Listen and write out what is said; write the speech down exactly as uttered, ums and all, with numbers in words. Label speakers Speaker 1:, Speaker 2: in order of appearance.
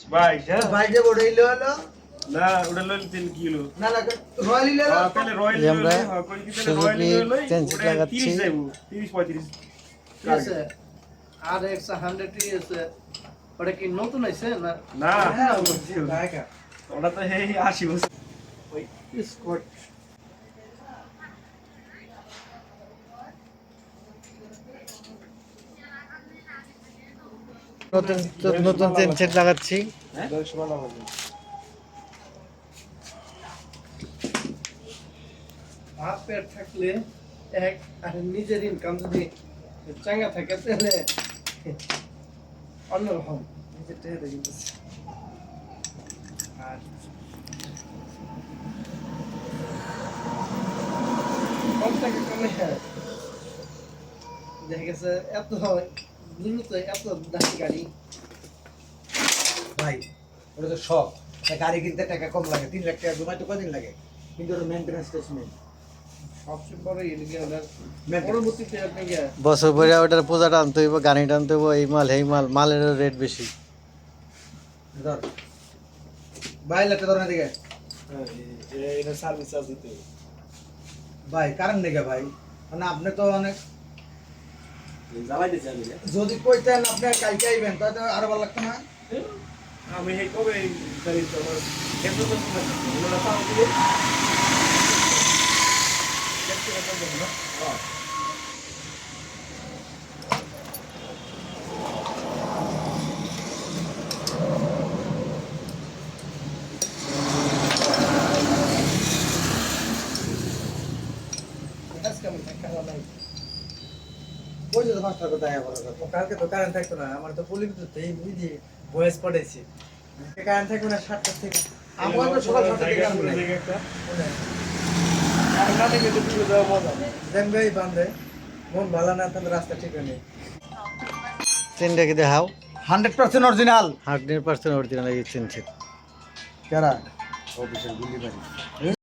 Speaker 1: ভাই হ্যাঁ
Speaker 2: ভাই যে বড়ইলো হলো
Speaker 1: না ওটা লইল তিন কিলো
Speaker 2: না না রয়্যাল ইলো
Speaker 1: হ্যাঁ তাহলে রয়্যাল
Speaker 3: যে আমরা
Speaker 1: লইলে হ্যাঁ কই কি তাহলে রয়্যাল
Speaker 3: সুজুকি
Speaker 1: লইলে
Speaker 3: ট্রেনসিট
Speaker 1: ওটা
Speaker 3: লাগাচ্ছি।
Speaker 1: তিরিশ যাইবো তিরিশ পঁয়ত্রিশ
Speaker 4: ঠিক আছে আর এক্স হান্ড্রেড টি আছে ওটা কি নতুন আছে না
Speaker 1: না
Speaker 2: হ্যাঁ
Speaker 4: ঢাকা
Speaker 1: ওটা তো এই আশি বছর
Speaker 4: ওই স্কট
Speaker 3: নতুন নতুন চেন সেট লাগাচ্ছি।
Speaker 4: হাফ পেট থাকলে এক আর নিজের ইনকাম যদি চাঙ্গা থাকে তাহলে অন্যরকম নিজের টেহে দেখি আর কম টাকা কমে দেখা গেছে এত দ্রুত এত দামি গাড়ি
Speaker 2: ভাই ওটা তো শখ একটা গাড়ি কিনতে টাকা কম লাগে তিন লাখ টাকা জমাইতে কদিন লাগে কিন্তু ওটা মেনটেন্যান্স টেস্ট নেই
Speaker 4: সবচেয়ে বড় এদিকে ওনার পরবর্তীতে আপনি গিয়ে
Speaker 3: বছর পরে ওটার পূজাটা আনতে হইব, গাড়িটা আনতে হইব, এই মাল এই মাল, মালেরও রেট বেশি।
Speaker 2: ধর ভাই লাগতে ধর না দিকে
Speaker 1: এটা সার্ভিস চার্জ দিতে
Speaker 2: ভাই কারণ নেই ভাই মানে আপনি তো অনেক
Speaker 1: জ্বালাই দিতে আমি
Speaker 2: যদি কইতেন আপনি কালকে আইবেন তাহলে আরো ভালো লাগতো না
Speaker 1: আমি এই কবে এই গাড়ি তো আমার একটু তো ওটা পাও দিয়ে দেখতে পাবো না হ্যাঁ
Speaker 4: আজকে আমি খাওয়া নাই
Speaker 2: কই যেতে পাঁচটা কথা আয়া বড় কথা
Speaker 5: কালকে তো কারেন্ট থাকতো না আমার তো পুলিশ তো এই বুঝি বয়স পড়েছি কারেন্ট থাকবে না সাতটা থেকে
Speaker 2: আমার তো সকাল সাতটা থেকে কারণ নাই
Speaker 1: একটা আর না থেকে তো পুরো যাওয়া মজা
Speaker 5: দেন ভাই বান্ধে মন ভালো না তাহলে রাস্তা ঠিক নেই
Speaker 3: চেনটাকে দেখাও।
Speaker 2: Hundred percent original
Speaker 3: hundred percent original এই চেন সেট।
Speaker 2: কারা অফিসের গুলি বাড়ি